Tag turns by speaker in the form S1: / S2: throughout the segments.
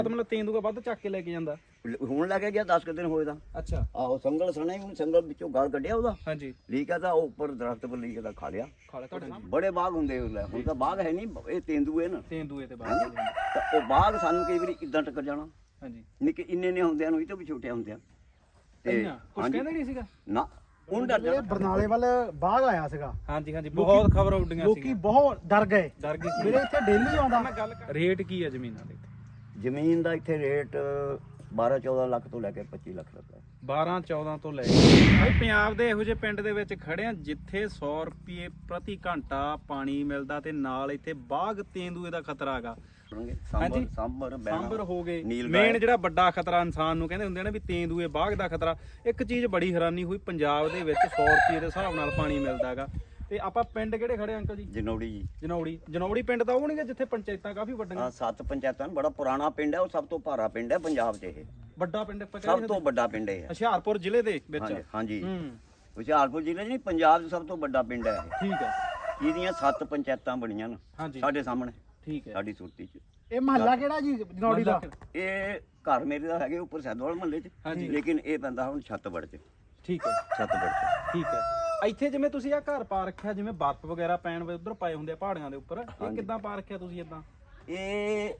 S1: ਮਤਲਬ ਤੇਂਦੂਆ ਵੱਧ ਚੱਕ ਕੇ ਲੈ ਕੇ ਜਾਂਦਾ
S2: ਹੁਣ ਲੈ ਕੇ ਗਿਆ 10 ਕੁ ਦਿਨ ਹੋਏ ਤਾਂ।
S1: ਅੱਛਾ
S2: ਆਹੋ ਸੰਗਲ ਸਣਾ ਹੀ ਸੰਗਲ ਵਿੱਚੋਂ ਗਲ ਕੱਢਿਆ ਉਹਦਾ,
S1: ਹਾਂਜੀ
S2: ਲੀਕ ਆ ਤਾਂ ਉਹ ਉੱਪਰ ਦਰਖਤ ਪਰ ਲੀਕ ਦਾ ਖਾ ਲਿਆ।
S1: ਤੁਹਾਡੇ
S2: ਬੜੇ ਬਾਗ ਹੁੰਦੇ ਉਹਲੇ, ਹੁਣ ਤਾਂ ਬਾਗ ਹੈ ਨਹੀਂ, ਇਹ ਤੇਂਦੂਏ ਨਾ
S1: ਤੇਂਦੂਏ ਤੇ ਬਾਅਦ
S2: ਤਾਂ ਉਹ ਬਾਗ ਸਾਨੂੰ ਕਈ ਵਾਰੀ ਇਦਾਂ ਟੱਕਰ ਜਾਣਾ।
S1: ਹਾਂਜੀ
S2: ਨਿੱਕੇ ਇੰਨੇ ਨੇ ਹੁੰਦਿਆਂ ਨੂੰ, ਇਹ ਤੋਂ ਵੀ ਛੋਟੇ ਹੁੰਦਿਆਂ ਤੇ
S1: ਕੁਝ ਕਹਿੰਦੇ ਨਹੀਂ ਸੀਗਾ
S2: ਨਾ ਹੁਣ ਡਰ ਜਾਣਾ।
S3: ਬਰਨਾਲੇ ਵੱਲ ਬਾਗ ਆਇਆ ਸੀਗਾ,
S1: ਹਾਂਜੀ ਹਾਂਜੀ ਬਹੁਤ ਖਬਰ ਉੱਡੀਆਂ
S3: ਲੋਕੀ
S1: ਸੀ,
S3: ਬਹੁਤ ਡਰ ਗਏ
S1: ਸੀ
S3: ਮੇਰੇ ਇੱਥੇ ਡੇਲੀ ਆਉਂਦਾ।
S1: ਮੈਂ ਗੱਲ ਰੇਟ ਕੀ ਹੈ ਜ਼ਮੀਨਾਂ ਦੇ
S2: ਜ਼ਮੀਨ ਦਾ ਇੱਥੇ ਰੇਟ 12-14 ਲੱਖ ਤੋਂ ਲੈ ਕੇ 25 ਲੱਖ ਤੱਕ ਹੈ।
S1: 12-14 ਤੋਂ ਲੈ ਕੇ ਭਾਈ ਪੰਜਾਬ ਦੇ ਇਹੋ ਜਿਹੇ ਪਿੰਡ ਦੇ ਵਿੱਚ ਖੜੇ ਆ ਜਿੱਥੇ 100 ਰੁਪਏ ਪ੍ਰਤੀ ਘੰਟਾ ਪਾਣੀ ਮਿਲਦਾ ਤੇ ਨਾਲ ਇੱਥੇ ਬਾਗ ਤੇਂਦੂਏ ਦਾ ਖਤਰਾ ਹੈਗਾ। ਹਾਂਜੀ ਸਾਂਬਰ ਹੋ ਗਏ ਮੇਨ ਜਿਹੜਾ ਵੱਡਾ ਖਤਰਾ ਇਨਸਾਨ ਨੂੰ ਕਹਿੰਦੇ ਹੁੰਦੇ ਨੇ ਵੀ ਤੇਂਦੂਏ ਬਾਗ ਦਾ ਖਤਰਾ। ਇੱਕ ਚੀਜ਼ ਬੜੀ ਹੈਰਾਨੀ ਹੋਈ, ਪੰਜਾਬ ਦੇ ਵਿੱਚ 100 ਰੁਪਏ ਦੇ ਹਿਸਾਬ ਨਾਲ ਪਾਣੀ ਮਿਲਦਾ ਹੈਗਾ। ਤੇ ਆਪਾਂ ਪਿੰਡ ਕਿਹੜੇ ਖੜੇ ਅੰਕਲ ਜੀ?
S2: ਜਨੌੜੀ ਜੀ।
S1: ਜਨੌੜੀ ਪਿੰਡ ਤਾਂ ਉਹ ਨਹੀਂ ਜਿੱਥੇ ਪੰਚਾਇਤਾਂ ਕਾਫੀ ਵੱਡੀਆਂ?
S2: 7 ਪੰਚਾਇਤਾਂ, ਬੜਾ ਪੁਰਾਣਾ ਪਿੰਡ ਹੈ, ਉਹ ਸਭ ਤੋਂ ਭਾਰਾ ਪਿੰਡ ਹੈ ਪੰਜਾਬ 'ਚ। ਇਹ
S1: ਵੱਡਾ ਪਿੰਡ
S2: ਸਭ ਤੋਂ ਵੱਡਾ ਪਿੰਡ ਹੈ
S1: ਹੁਸ਼ਿਆਰਪੁਰ ਜ਼ਿਲ੍ਹੇ ਦੇ ਵਿੱਚ।
S2: ਹਾਂਜੀ ਹੁਸ਼ਿਆਰਪੁਰ ਜ਼ਿਲ੍ਹੇ 'ਚ ਨਹੀਂ, ਪੰਜਾਬ 'ਚ ਸਭ ਤੋਂ ਵੱਡਾ ਪਿੰਡ ਹੈ ਇਹ।
S1: ਠੀਕ ਹੈ,
S2: ਇਹਦੀਆਂ 7 ਪੰਚਾਇਤਾਂ ਬਣੀਆਂ ਨੇ ਸਾਡੇ ਸਾਹਮਣੇ।
S1: ਠੀਕ ਹੈ,
S2: ਸਾਡੀ ਸੁਰਤੀ 'ਚ।
S3: ਇਹ ਮਹੱਲਾ ਕਿਹੜਾ ਜੀ ਜਨੌੜੀ ਦਾ?
S2: ਇਹ ਘਰ ਮੇਰੇ ਦਾ ਹੈਗੇ ਉੱਪਰ ਸੈਦੋਵਾਲ ਮਹੱਲੇ 'ਚ, ਲੇਕਿਨ ਇਹ ਪੈਂਦਾ ਹੁਣ ਛੱਤਬੜ 'ਚ।
S1: ਠੀਕ ਹੈ,
S2: ਛੱਤਬੜ 'ਚ।
S1: ਠੀਕ ਹੈ। ਇੱਥੇ ਜਿਵੇਂ ਤੁਸੀਂ ਆ ਘਰ ਪਾ ਰੱਖਿਆ, ਜਿਵੇਂ ਬਰਫ਼ ਵਗੈਰਾ ਪੈਣ ਵੇ ਉਧਰ ਪਾਏ ਹੁੰਦੇ ਆ ਪਹਾੜੀਆਂ ਦੇ ਉੱਪਰ, ਇਹ ਕਿੱਦਾਂ ਪਾ ਰੱਖਿਆ ਤੁਸੀਂ ਇਦਾਂ?
S2: ਇਹ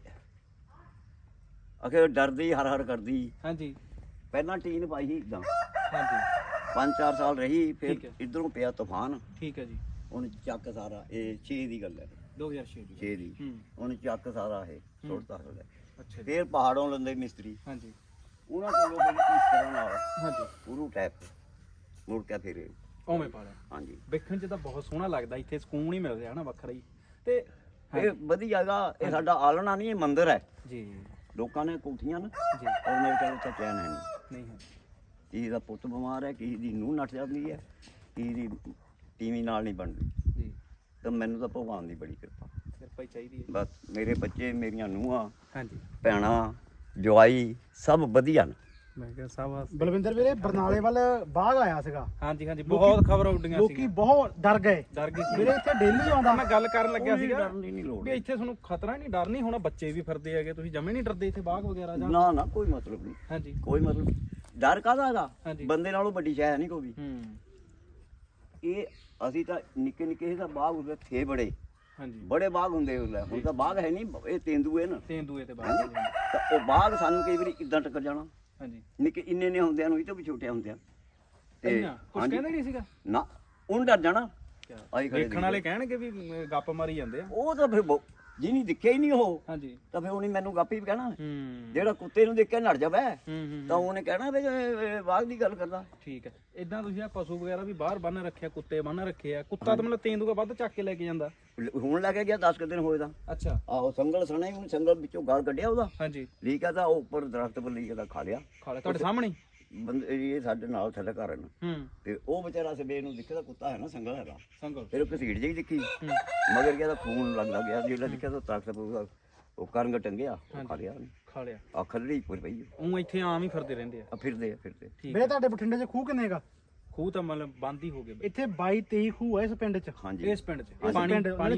S2: ਅਖੇ ਡਰਦੀ ਹਰ ਹਰ ਕਰਦੀ।
S1: ਹਾਂਜੀ
S2: ਪਹਿਲਾਂ ਟੀਨ ਪਾਈ ਸੀ ਇਦਾਂ,
S1: ਹਾਂਜੀ
S2: 5-4 ਸਾਲ ਰਹੀ, ਫਿਰ ਇਧਰੋਂ ਪਿਆ ਤੂਫਾਨ।
S1: ਠੀਕ ਹੈ ਜੀ।
S2: ਹੁਣ ਚੱਕ ਸਾਰਾ, ਇਹ 6 ਦੀ ਗੱਲ ਹੈ,
S1: 2006 ਦੀ
S2: 6 ਦੀ। ਹੁਣ ਚੱਕ ਸਾਰਾ ਇਹ ਸੁੱਟਦਾ ਥੱਲੇ।
S1: ਅੱਛਾ ਜੀ।
S2: ਫਿਰ ਪਹਾੜੋਂ ਲੰਦੇ ਮਿਸਤਰੀ,
S1: ਹਾਂਜੀ
S2: ਉਹਨਾਂ ਕੋਲੋਂ ਫਿਰ ਇਸ ਤਰ੍ਹਾਂ ਨਾਲ
S1: ਹਾਂਜੀ
S2: ਪੂਰੂ ਟੈਪ ਮੁੜ ਕੇ ਫਿਰ
S1: ਉਵੇਂ ਪਾ ਲਿਆ।
S2: ਹਾਂਜੀ
S1: ਵੇਖਣ 'ਚ ਤਾਂ ਬਹੁਤ ਸੋਹਣਾ ਲੱਗਦਾ, ਇੱਥੇ ਸਕੂਨ ਹੀ ਮਿਲ ਰਿਹਾ ਨਾ ਵੱਖਰਾ ਹੀ। ਤੇ
S2: ਇਹ ਵਧੀਆ ਹੈਗਾ। ਇਹ ਸਾਡਾ ਆਲਣਾ ਨਹੀਂ, ਇਹ ਮੰਦਿਰ ਹੈ
S1: ਜੀ।
S2: ਲੋਕਾਂ ਨੇ ਕੋਠੀਆਂ ਨਾ,
S1: ਜੀ
S2: ਔਰ ਮੇਰੇ ਕੋਲ ਤਾਂ ਚੈਨ ਹੈ
S1: ਨਹੀਂ ਹੈ।
S2: ਕਿਸੇ ਦਾ ਪੁੱਤ ਬਿਮਾਰ ਹੈ, ਕਿਸੇ ਦੀ ਨੂੰਹ ਨੱਠ ਜਾਂਦੀ ਹੈ, ਕਿਸੇ ਦੀ ਟੀਵੀ ਨਾਲ ਨਹੀਂ ਬਣਦੀ।
S1: ਜੀ
S2: ਤਾਂ ਮੈਨੂੰ ਤਾਂ ਭਗਵਾਨ ਦੀ ਬੜੀ ਕਿਰਪਾ,
S1: ਕਿਰਪਾ ਹੀ ਚਾਹੀਦੀ ਹੈ।
S2: ਬਸ ਮੇਰੇ ਬੱਚੇ, ਮੇਰੀਆਂ ਨੂੰਹਾਂ,
S1: ਹਾਂਜੀ
S2: ਭੈਣਾਂ, ਜਵਾਈ ਸਭ ਵਧੀਆ ਨੇ।
S1: ਮੈਂ ਕਿਹਾ ਸਾਵਾ
S3: ਬਲਵਿੰਦਰ ਵੀਰੇ ਬਰਨਾਲੇ ਵੱਲ ਬਾਗ ਆਇਆ ਸੀਗਾ,
S1: ਹਾਂਜੀ ਹਾਂਜੀ ਬਹੁਤ ਖਬਰ ਉੱਡੀਆਂ ਸੀ,
S3: ਲੋਕੀ ਬਹੁਤ ਡਰ ਗਏ ਮੇਰੇ ਇੱਥੇ ਡੇਲੀ ਆਉਂਦਾ।
S1: ਮੈਂ ਗੱਲ ਕਰਨ ਲੱਗਿਆ ਸੀਗਾ
S2: ਡਰਨ ਦੀ ਨਹੀਂ ਲੋੜ
S1: ਵੀ ਇੱਥੇ ਤੁਹਾਨੂੰ ਖਤਰਾ ਨਹੀਂ, ਡਰ ਨਹੀਂ ਹੋਣਾ, ਬੱਚੇ ਵੀ ਫਿਰਦੇ ਹੈਗੇ, ਤੁਸੀਂ ਜਮੇ ਨਹੀਂ ਡਰਦੇ ਇੱਥੇ ਬਾਗ ਵਗੈਰਾ ਜਾਂ?
S2: ਨਾ ਨਾ, ਕੋਈ ਮਤਲਬ ਨਹੀਂ।
S1: ਹਾਂਜੀ
S2: ਕੋਈ ਮਤਲਬ ਡਰ ਕਾਹਦਾ ਹੈਗਾ?
S1: ਹਾਂਜੀ।
S2: ਬੰਦੇ ਨਾਲੋਂ ਵੱਡੀ ਸ਼ੈ ਹੈ ਨਹੀਂ ਕੋਈ। ਇਹ ਅਸੀਂ ਤਾਂ ਨਿੱਕੇ ਨਿੱਕੇ ਦਾ ਬਾਗ ਹੁੰਦੇ ਥੇ,
S1: ਹਾਂਜੀ
S2: ਬੜੇ ਬਾਗ ਹੁੰਦੇ ਉਹਲੇ, ਹੁਣ ਤਾਂ ਬਾਗ ਹੈ ਨਹੀਂ, ਇਹ ਤੇਂਦੂਏ ਨਾ।
S1: ਤੇਂਦੂਏ ਤੇ ਬਾਗ
S2: ਤਾਂ ਉਹ ਬਾਗ ਸਾਨੂੰ ਕਈ ਵਾਰੀ ਇਦਾਂ ਟੱਕਰ ਜਾਣਾ।
S1: ਹਾਂਜੀ
S2: ਨਿੱਕੇ ਇੰਨੇ ਨੇ ਹੁੰਦਿਆਂ ਨੂੰ, ਇਹ ਤੋਂ ਵੀ ਛੋਟੇ ਹੁੰਦਿਆਂ ਤੇ
S1: ਕੁਝ ਕਹਿੰਦੇ ਨਹੀਂ ਸੀਗਾ
S2: ਨਾ, ਹੁਣ ਡਰ ਜਾਣਾ।
S1: ਦੇਖਣ ਵਾਲੇ ਕਹਿਣਗੇ ਵੀ ਗੱਪ ਮਾਰੀ ਜਾਂਦੇ ਆ।
S2: ਉਹ ਤਾਂ ਫਿਰ ਜਿਹਨੀ ਦਿਖਿਆ ਹੀ ਨਹੀਂ ਉਹ,
S1: ਹਾਂਜੀ
S2: ਤਾਂ ਫਿਰ ਉਹਨੇ ਮੈਨੂੰ ਗੱਪ ਹੀ ਕਹਿਣਾ। ਜਿਹੜਾ ਕੁੱਤੇ ਨੂੰ ਦੇਖ ਕੇ ਨੜ ਜਾਵੇ ਤਾਂ ਉਹਨੇ ਕਹਿਣਾ ਵੀ ਬਾਗ ਦੀ ਗੱਲ ਕਰਦਾ।
S1: ਠੀਕ ਹੈ। ਇਦਾਂ ਤੁਸੀਂ ਆ ਪਸ਼ੂ ਵਗੈਰਾ ਵੀ ਬਾਹਰ ਬੰਨ ਰੱਖਿਆ, ਕੁੱਤੇ ਬੰਨ ਰੱਖੇ ਆ, ਕੁੱਤਾ ਤਾਂ ਮਤਲਬ ਤੇਂਦੂਆ ਵੱਧ ਚੱਕ ਕੇ ਲੈ ਕੇ ਜਾਂਦਾ?
S2: ਹੁਣ ਲੈ ਕੇ ਗਿਆ 10 ਕੁ ਦਿਨ ਹੋਏ ਤਾਂ।
S1: ਅੱਛਾ
S2: ਆਹੋ ਸੰਗਲ ਸਣਾ ਹੀ, ਸੰਗਲ ਵਿੱਚੋਂ ਗਲ ਕੱਢਿਆ ਉਹਦਾ।
S1: ਹਾਂਜੀ
S2: ਲੀਕ ਆ ਤਾਂ ਉਹ ਉੱਪਰ ਦਰਖਤ ਪਰ ਲੀਕ ਦਾ ਖਾ ਲਿਆ।
S1: ਤੁਹਾਡੇ ਸਾਹਮਣੇ
S2: ਬੰਦੇ ਇਹ ਸਾਡੇ ਨਾਲ ਥੱਲੇ ਘਰ ਨੇ, ਤੇ ਉਹ ਵਿਚਾਰਾ ਸਵੇਰ ਨੂੰ ਦੇਖਿਆ ਤਾਂ ਕੁੱਤਾ ਹੈ ਨਾ, ਸੰਗਲ ਹੈਗਾ,
S1: ਸੰਗਲ
S2: ਫਿਰ ਉਹ ਘਸੀੜ ਜਿਹੀ ਦਿਖੀ, ਮਗਰ ਗਿਆ ਤਾਂ ਖੂਨ ਲੱਗਦਾ ਗਿਆ। ਜਿਹੜਾ ਦੇਖਿਆ ਤਾਂ ਦਰਖਤ ਪਰ ਉਹ ਕਰੰਗ ਟੰਗਿਆ, ਖਾ ਲਿਆ ਉਹਨੇ,
S1: ਖਾ ਲਿਆ।
S2: ਆ ਖੱਲੜੀ ਪੁਰ ਪਈ।
S1: ਉਹ ਇੱਥੇ ਆਮ ਹੀ ਫਿਰਦੇ ਰਹਿੰਦੇ ਆ।
S2: ਫਿਰਦੇ।
S1: ਠੀਕ
S3: ਵੀਰੇ ਤੁਹਾਡੇ ਬਠਿੰਡੇ 'ਚ ਖੂਹ ਕਿੰਨੇ ਹੈਗਾ?
S1: ਖੂਹ ਤਾਂ ਮਤਲਬ ਬੰਦ ਹੀ ਹੋ ਗਏ
S3: ਇੱਥੇ 22-23 ਖੂਹ ਹੈ ਇਸ ਪਿੰਡ 'ਚ।
S2: ਹਾਂਜੀ
S1: ਇਸ ਪਿੰਡ 'ਚ
S3: ਪਾਣੀ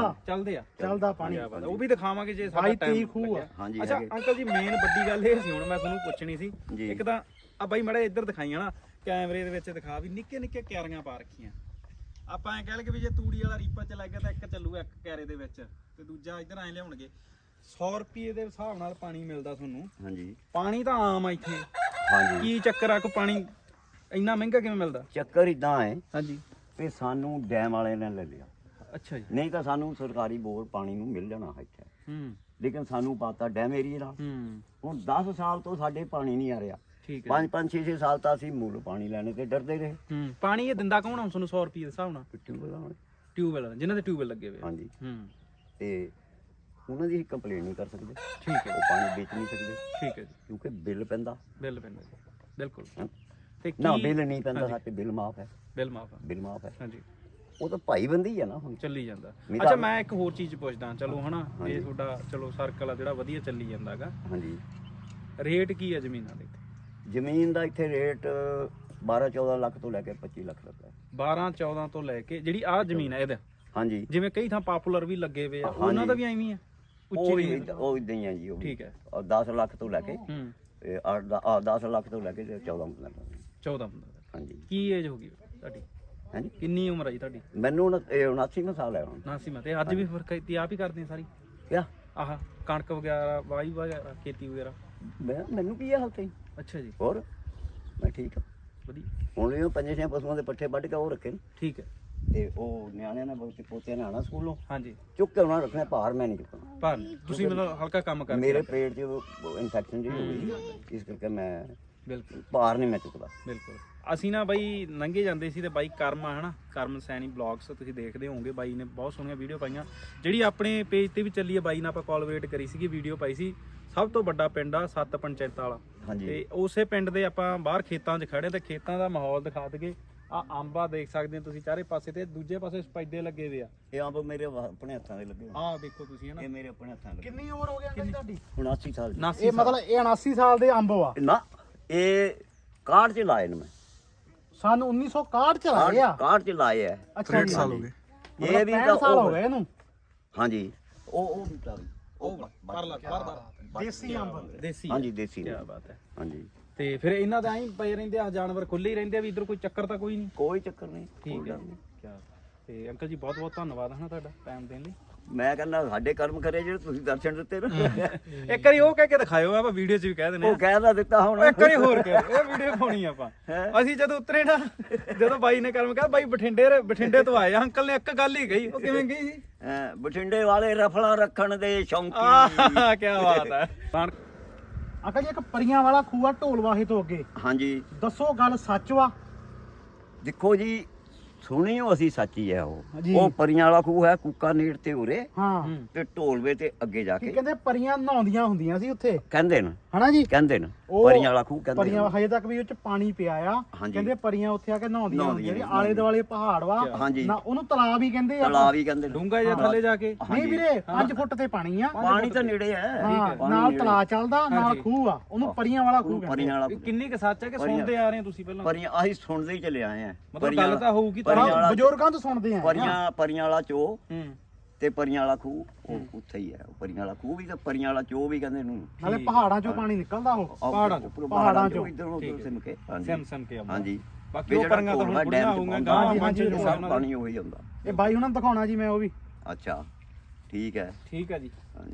S3: ਚੱਲਦਾ ਪਾਣੀ,
S1: ਉਹ ਵੀ ਦਿਖਾਵਾਂਗੇ ਜੇ ਸਾਡਾ
S3: 22-23 ਖੂਹ ਆ।
S1: ਅੱਛਾ ਅੰਕਲ ਜੀ, ਮੇਨ ਵੱਡੀ ਗੱਲ ਇਹ ਸੀ, ਹੁਣ ਮੈਂ ਤੁਹਾਨੂੰ ਪੁੱਛਣੀ ਸੀ। ਇੱਕ ਤਾਂ ਆ ਬਾਈ ਮੜਾ ਇੱਧਰ ਦਿਖਾਈਆਂ ਨਾ, ਕੈਮਰੇ ਦੇ ਵਿੱਚ ਦਿਖਾ ਵੀ ਨਿੱਕੇ ਨਿੱਕੇ ਕਿਆਰੀਆਂ ਪਾ ਰੱਖੀਆਂ। ਆਪਾਂ ਐ ਕਹਿ ਲਈਏ ਵੀ ਜੇ ਤੂੜੀ ਵਾਲਾ ਰੀਪਾ ਚ ਲੱਗ ਗਿਆ ਤਾਂ ਇੱਕ ਚੱਲੂਗਾ ਇੱਕ ਕਿਆਰੇ ਦੇ ਵਿੱਚ, ਤੇ ਦੂਜਾ ਇੱਧਰ ਐ ਲਿਆਉਣਗੇ। 100 ਰੁਪਏ ਦੇ ਹਿਸਾਬ ਨਾਲ ਪਾਣੀ ਮਿਲਦਾ ਤੁਹਾਨੂੰ।
S2: ਹਾਂਜੀ
S1: ਪਾਣੀ ਤਾਂ ਆਮ ਆ ਇੱਥੇ।
S2: ਹਾਂਜੀ
S1: ਕੀ ਚੱਕਰ ਆ, ਕੋਈ ਪਾਣੀ ਇੰਨਾ ਮਹਿੰਗਾ ਕਿਵੇਂ ਮਿਲਦਾ?
S2: ਚੱਕਰ ਇਦਾਂ ਹੈ
S1: ਹਾਂਜੀ
S2: ਵੀ ਸਾਨੂੰ ਡੈਮ ਵਾਲੇ ਨੇ ਲੈ ਲਿਆ।
S1: ਅੱਛਾ ਜੀ।
S2: ਨਹੀਂ ਤਾਂ ਸਾਨੂੰ ਸਰਕਾਰੀ ਬੋਰ ਪਾਣੀ ਨੂੰ ਮਿਲ ਜਾਣਾ ਇੱਥੇ, ਲੇਕਿਨ ਸਾਨੂੰ ਪਾਤਾ ਡੈਮ ਏਰੀਏ ਨਾਲ। ਹੁਣ 10 ਸਾਲ ਤੋਂ ਸਾਡੇ ਪਾਣੀ ਨਹੀਂ ਆ ਰਿਹਾ।
S1: ਠੀਕ ਹੈ।
S2: 5-5 6 ਸਾਲ ਤਾਂ ਅਸੀਂ ਮੁੱਲ ਪਾਣੀ ਲੈਣੇ ਤੇ ਡਰਦੇ ਰਹੇ।
S1: ਪਾਣੀ ਇਹ ਦਿੰਦਾ ਕੌਣ ਆ ਤੁਹਾਨੂੰ 100 ਰੁਪਏ ਦੇ ਹਿਸਾਬ ਨਾਲ? ਟਿਊਬਵੈਲ, ਜਿਨ੍ਹਾਂ ਦੇ ਟਿਊਬਵੈਲ ਲੱਗੇ ਹੋਏ।
S2: ਹਾਂਜੀ ਤੇ ਉਹਨਾਂ ਦੀ ਕੰਪਲੇਂਟ ਨਹੀਂ ਕਰ ਸਕਦੇ।
S1: ਠੀਕ ਹੈ।
S2: ਉਹ ਪਾਣੀ ਵੇਚ ਨਹੀਂ ਸਕਦੇ।
S1: ਠੀਕ ਹੈ ਜੀ।
S2: ਕਿਉਂਕਿ ਬਿੱਲ ਪੈਂਦਾ
S1: ਬਿਲਕੁਲ। ਤੇ
S2: ਨਾ ਬਿੱਲ ਨਹੀਂ ਪੈਂਦਾ, ਸਾਡੇ ਬਿੱਲ ਮਾਫ ਹੈ।
S1: ਬਿੱਲ ਮਾਫ ਹੈ। ਹਾਂਜੀ
S2: ਉਹ ਤਾਂ ਭਾਈ ਬੰਦੀ ਆ ਨਾ, ਹੁਣ
S1: ਚੱਲੀ ਜਾਂਦਾ। ਅੱਛਾ ਮੈਂ ਇੱਕ ਹੋਰ ਚੀਜ਼ ਪੁੱਛਦਾ, ਚਲੋ ਹਨਾ, ਇਹ ਤੁਹਾਡਾ ਚਲੋ ਸਰਕਲ ਆ ਜਿਹੜਾ ਵਧੀਆ ਚੱਲੀ ਜਾਂਦਾਗਾ।
S2: ਹਾਂਜੀ
S1: ਰੇਟ ਕੀ ਹੈ ਜ਼ਮੀਨਾਂ ਦੇ?
S2: ਜ਼ਮੀਨ ਦਾ ਇੱਥੇ ਰੇਟ 12-14 ਲੱਖ ਤੋਂ ਲੈ ਕੇ 25 ਲੱਖ ਤੱਕ ਹੈ।
S1: 12-14 ਤੋਂ ਲੈ ਕੇ ਜਿਹੜੀ ਆਹ ਜ਼ਮੀਨ ਹੈ ਇਹਦਾ?
S2: ਹਾਂਜੀ।
S1: ਜਿਵੇਂ ਕਈ ਥਾਂ ਪਾਪੂਲਰ ਵੀ ਲੱਗੇ ਹੋਏ ਆ, ਉਹਨਾਂ ਦਾ ਵੀ ਐਵੇਂ ਹੀ ਆ?
S2: ਉਹ ਵੀ ਉਹ ਇਦਾਂ ਹੀ ਆ ਜੀ। ਉਹ
S1: ਠੀਕ ਹੈ।
S2: 10 ਲੱਖ ਤੋਂ ਲੈ ਕੇ
S1: ਹੂੰ
S2: 10 ਲੱਖ ਤੋਂ ਲੈ ਕੇ 14
S1: 14
S2: ਹਾਂਜੀ।
S1: ਕੀ ਏਜ ਹੋ ਗਈ ਤੁਹਾਡੀ?
S2: ਹਾਂਜੀ
S1: ਕਿੰਨੀ ਉਮਰ ਹੈ ਜੀ ਤੁਹਾਡੀ?
S2: ਮੈਨੂੰ 79 ਸਾਲ ਹੈ ਹੁਣ।
S1: 79 ਤੇ ਅੱਜ ਵੀ ਫਿਰ ਖੇਤੀ ਆਪ ਹੀ ਕਰਦੇ ਆ ਸਾਰੀ?
S2: ਕਿਆ
S1: ਆਹ ਕਣਕ ਵਗੈਰਾ ਵਾਈ ਵਗੈਰਾ ਖੇਤੀ ਵਗੈਰਾ?
S2: ਮੈਨੂੰ ਕੀ ਆ ਹਾਲ ਤੇ।
S1: ਅੱਛਾ ਜੀ
S2: ਹੋਰ ਮੈਂ ਠੀਕ ਆ
S1: ਵਧੀਆ।
S2: ਹੁਣ ਵੀ 5-6 ਪਸ਼ੂਆਂ ਦੇ ਪੱਠੇ ਵੱਢ ਕੇ ਉਹ ਰੱਖੇ ਨੇ
S1: ਠੀਕ ਹੈ।
S2: ਤੇ ਉਹ ਨਿਆਣਿਆਂ ਨੇ ਬਹੁਤ ਪੋਤਿਆਂ ਨੇ ਆਣਾ ਸਕੂਲੋਂ
S1: ਹਾਂਜੀ
S2: ਚੁੱਕ ਕੇ ਉਹਨਾਂ ਨੂੰ ਰੱਖਣਾ, ਭਾਰ ਮੈਂ ਨਹੀਂ ਚੁੱਕਣਾ।
S1: ਪਰ ਤੁਸੀਂ ਮਤਲਬ ਹਲਕਾ ਕੰਮ ਕਰਦੇ?
S2: ਮੇਰੇ ਪੇਟ 'ਚ ਇਨਫੈਕਸ਼ਨ ਜਿਹੀ ਹੋ ਗਈ, ਇਸ ਕਰਕੇ ਮੈਂ
S1: ਬਿਲਕੁਲ
S2: ਭਾਰ ਨਹੀਂ ਮੈਂ ਚੁੱਕਦਾ।
S1: ਬਿਲਕੁਲ। ਅਸੀਂ ਨਾ ਬਾਈ ਲੰਘੇ ਜਾਂਦੇ ਸੀ ਤੇ ਬਾਈ ਕਰਮ ਆ ਹਨਾ, ਕਰਮ ਸੈਣੀ ਬਲੌਗਸ ਤੁਸੀਂ ਦੇਖਦੇ ਹੋਵੋਗੇ, ਬਾਈ ਨੇ ਬਹੁਤ ਸੋਹਣੀਆਂ ਵੀਡੀਓ ਪਾਈਆਂ ਜਿਹੜੀ ਆਪਣੇ ਪੇਜ ਤੇ ਵੀ ਚੱਲੀ ਹੈ। ਬਾਈ ਨਾਲ ਆਪਾਂ ਕੋਲਬਰੇਟ ਕਰੀ ਸੀਗੀ, ਵੀਡੀਓ ਪਾਈ ਸੀ। ਸਭ ਤੋਂ ਵੱਡਾ ਪਿੰਡ ਆ 7 ਪੰਚਾਇਤਾਂ ਵਾਲਾ।
S2: ਹਾਂਜੀ
S1: ਤੇ ਉਸੇ ਪਿੰਡ ਦੇ ਆਪਾਂ ਬਾਹਰ ਖੇਤਾਂ 'ਚ ਖੜੇ ਤੇ ਖੇਤਾਂ ਦਾ ਮਾਹੌਲ ਦਿਖਾ ਦਈਏ। ਆ ਅੰਬਾ ਦੇਖ ਸਕਦੇ ਹੋ ਤੁਸੀਂ ਚਾਰੇ ਪਾਸੇ, ਤੇ ਦੂਜੇ ਪਾਸੇ ਸਪੈਦੇ ਲੱਗੇ ਹੋਏ ਆ।
S2: ਇਹ ਅੰਬ ਮੇਰੇ ਆਪਣੇ ਹੱਥਾਂ ਦੇ ਲੱਗੇ ਹੋਏ।
S1: ਆਹ ਦੇਖੋ ਤੁਸੀਂ ਹਨਾ,
S2: ਇਹ ਮੇਰੇ ਆਪਣੇ ਹੱਥਾਂ ਦੇ ਲੱਗੇ।
S3: ਕਿੰਨੀ ਉਮਰ ਹੋ ਗਈ ਅੰਕਲ ਜੀ ਤੁਹਾਡੀ?
S2: 79 ਸਾਲ ਦੀ।
S1: 79
S3: ਇਹ ਮਤਲਬ ਇਹ 79 ਸਾਲ ਦੇ ਅੰਬ ਆ।
S2: ਨਾ ਇਹ ਕਾਰਡ 'ਚ ਲਾਏ ਨੇ ਮੈਂ।
S3: ਸਾਨੂੰ 1961 ਚ ਲਾਏ ਆ।
S2: ਕਾਰਡ 'ਚ ਲਾਏ ਆ।
S3: ਅੱਛਾ ਜੀ।
S2: ਇਹ ਵੀ
S3: 65 ਸਾਲ ਹੋ ਗਏ ਇਹਨੂੰ।
S2: ਹਾਂਜੀ ਉਹ ਵੀ ਤਾਂ
S3: ਦੇਸੀ ਅੰਬ।
S1: ਦੇਸੀ
S2: ਹਾਂਜੀ ਦੇਸੀ
S1: ਕੀ
S2: ਨੇ।
S1: ਬਾਤ ਹੈ।
S2: ਹਾਂਜੀ
S1: ਤੇ ਫਿਰ ਇਹਨਾਂ ਦਾ ਐਂ ਪਏ ਰਹਿੰਦੇ ਆ, ਜਾਨਵਰ ਖੁੱਲੇ ਹੀ ਰਹਿੰਦੇ ਆ ਵੀ ਇਧਰ ਕੋਈ ਚੱਕਰ ਤਾਂ ਕੋਈ ਨਹੀਂ?
S2: ਕੋਈ ਚੱਕਰ ਨਹੀਂ।
S1: ਠੀਕ ਹੈ ਕਿਆ। ਤੇ ਅੰਕਲ ਜੀ ਬਹੁਤ ਬਹੁਤ ਧੰਨਵਾਦ ਹਨਾ ਤੁਹਾਡਾ ਟਾਈਮ ਦੇਣ ਲਈ।
S2: ਮੈਂ ਕਹਿੰਦਾ ਸਾਡੇ ਕਰਮ ਕਰੇ ਜਿਹੜੇ ਤੁਸੀਂ ਦਰਸ਼ਨ ਦਿੱਤੇ ਨਾ।
S1: ਇੱਕ ਵਾਰੀ ਉਹ ਕਹਿ ਕੇ ਦਿਖਾਇਓ, ਆਪਾਂ ਵੀਡੀਓ 'ਚ ਵੀ ਕਹਿ ਦਿੰਦੇ
S2: ਉਹ ਕਹਿ ਦਾ ਦਿੱਤਾ ਹੁਣ।
S1: ਇੱਕ ਵਾਰੀ ਹੋਰ ਕਹਿ ਇਹ ਵੀਡੀਓ ਪਾਉਣੀ ਆਪਾਂ। ਅਸੀਂ ਜਦੋਂ ਉਤਰੇ ਨਾ, ਜਦੋਂ ਬਾਈ ਨੇ ਕਰਮ ਕਿਹਾ ਬਾਈ ਬਠਿੰਡੇ ਤੋਂ ਆਏ ਆ, ਅੰਕਲ ਨੇ ਇੱਕ ਗੱਲ ਹੀ ਕਹੀ। ਉਹ ਕਿਵੇਂ ਗਈ ਸੀ?
S2: ਬਠਿੰਡੇ ਵਾਲੇ ਰਫਲਾਂ ਰੱਖਣ ਦੇ ਸ਼ੌਂਕੀ।
S1: ਆਹ ਕੀ ਬਾਤ ਹੈ।
S3: ਅੰਕਲ ਜੀ ਇੱਕ ਪਰੀਆਂ ਵਾਲਾ ਖੂਆ ਢੋਲਵਾਹੇ ਤੋਂ ਅੱਗੇ,
S2: ਹਾਂਜੀ
S3: ਦੱਸੋ ਗੱਲ ਸੱਚ ਵਾ?
S2: ਦੇਖੋ ਜੀ, ਸੁਣੀਓ ਅਸੀਂ ਸੱਚੀ ਹੈ
S3: ਜੀ।
S2: ਉਹ ਪਰੀਆਂ ਵਾਲਾ ਖੂਹ ਹੈ ਕੂਕਾ ਨੇੜ ਤੇ ਉਰੇ
S3: ਹਾਂ।
S2: ਤੇ ਢੋਲਵੇ ਤੇ ਅੱਗੇ ਜਾ
S3: ਕੀ
S2: ਕੇ
S3: ਕਹਿੰਦੇ ਪਰੀਆਂ ਨਹਾਉਂਦੀਆਂ ਹੁੰਦੀਆਂ ਸੀ ਉੱਥੇ,
S2: ਕਹਿੰਦੇ ਨੇ
S3: ਹਨਾ ਜੀ?
S2: ਕਹਿੰਦੇ ਨੇ
S3: ਉਹ
S2: ਪਰੀਆਂ ਵਾਲਾ ਖੂਹ ਕਹਿੰਦੇ
S3: ਪਰੀਆਂ
S2: ਨੇ।
S3: ਹਜੇ ਤੱਕ ਵੀ ਉਹ ਚ ਪਾਣੀ ਪਿਆ ਆ।
S2: ਹਾਂਜੀ।
S3: ਕਹਿੰਦੇ ਪਰੀਆਂ ਉੱਥੇ ਆ ਕੇ ਨਹਾਉਂਦੀਆਂ ਹੁੰਦੀਆਂ ਨੇ।
S2: ਨਹਾਉਂਦੀਆਂ
S3: ਆਲੇ ਦੁਆਲੇ ਪਹਾੜ ਵਾ
S2: ਹਾਂਜੀ।
S3: ਨਾ, ਉਹਨੂੰ ਤਲਾਬ ਹੀ ਕਹਿੰਦੇ ਆ।
S2: ਤਲਾਬ ਹੀ ਕਹਿੰਦੇ ਨੇ।
S1: ਡੂੰਗਾ ਜਾਂ ਥੱਲੇ ਜਾ ਕੇ?
S3: ਨਹੀਂ ਵੀਰੇ, 5 ਫੁੱਟ ਤੇ ਪਾਣੀ ਆ।
S2: ਪਾਣੀ ਤਾਂ ਨੇੜੇ ਹੈ।
S3: ਹਾਂ,
S2: ਪਾਣੀ
S3: ਨਾਲ
S2: ਨੇੜੇ।
S3: ਤਲਾਬ ਚੱਲਦਾ, ਨਾਲ
S1: ਹਾਂਜੀ।
S3: ਖੂਹ ਆ। ਉਹਨੂੰ ਪਰੀਆਂ ਵਾਲਾ ਖੂਹ
S2: ਉਹਨੂੰ
S3: ਕਹਿੰਦੇ
S2: ਪਰੀਆਂ
S3: ਆ।
S2: ਵਾਲਾ
S1: ਇਹ ਕਿੰਨੀ ਕੁ ਸੱਚ ਹੈ ਕਿ ਸੁਣਦੇ ਆ ਰਹੇ ਹੋ ਤੁਸੀਂ ਪਹਿਲਾਂ?
S2: ਪਰੀਆਂ ਅਸੀਂ ਸੁਣਦੇ ਹੀ ਚਲੇ ਆਏ ਆ।
S1: ਮਤਲਬ ਗੱਲ ਤਾਂ ਹੋਊਗੀ ਤਾਂ।
S2: ਪਰੀਆਂ ਵਾਲਾ
S3: ਬਜ਼ੁਰਗਾਂ ਤੋਂ ਸੁਣਦੇ ਆ।
S2: ਪਰੀਆਂ ਵਾਲਾ ਚੋ
S1: ਹੂੰ
S2: ਤੇ ਪਰੀਆਂ ਵਾਲਾ ਖੂਹ ਉਹ ਉੱਥੇ ਹੀ ਹੈ। ਉਹ ਪਰੀਆਂ ਵਾਲਾ ਖੂਹ ਵੀ ਤੇ ਪਰੀਆਂ ਵਾਲਾ ਚੋ ਵੀ ਕਹਿੰਦੇ ਨੂੰ।
S3: ਨਾਲੇ ਪਹਾੜਾਂ ਚੋਂ ਪਾਣੀ ਨਿਕਲਦਾ ਉਹ।
S2: ਪਹਾੜਾਂ ਚੋਂ ਇਧਰ ਉਧਰ ਸਿਮ ਕੇ।
S1: ਸਿਮ ਸਿਮ ਕੇ ਆਉਂਦਾ।
S2: ਹਾਂਜੀ
S1: ਬਾਕੀ ਉਹ ਪਰੀਆਂ ਤਾਂ ਹੁਣ ਬੁੜੀਆਂ ਹੋਊਗੀਆਂ, ਗਾਂ
S3: ਹਾਂਜੀ,
S2: ਸਭ ਪਾਣੀ ਉਹੀ ਹੁੰਦਾ।
S3: ਇਹ ਬਾਈ ਉਹਨਾਂ ਨੂੰ ਦਿਖਾਉਣਾ ਜੀ ਮੈਂ ਉਹ ਵੀ।
S2: ਅੱਛਾ ਠੀਕ ਹੈ।
S1: ਠੀਕ ਹੈ ਜੀ।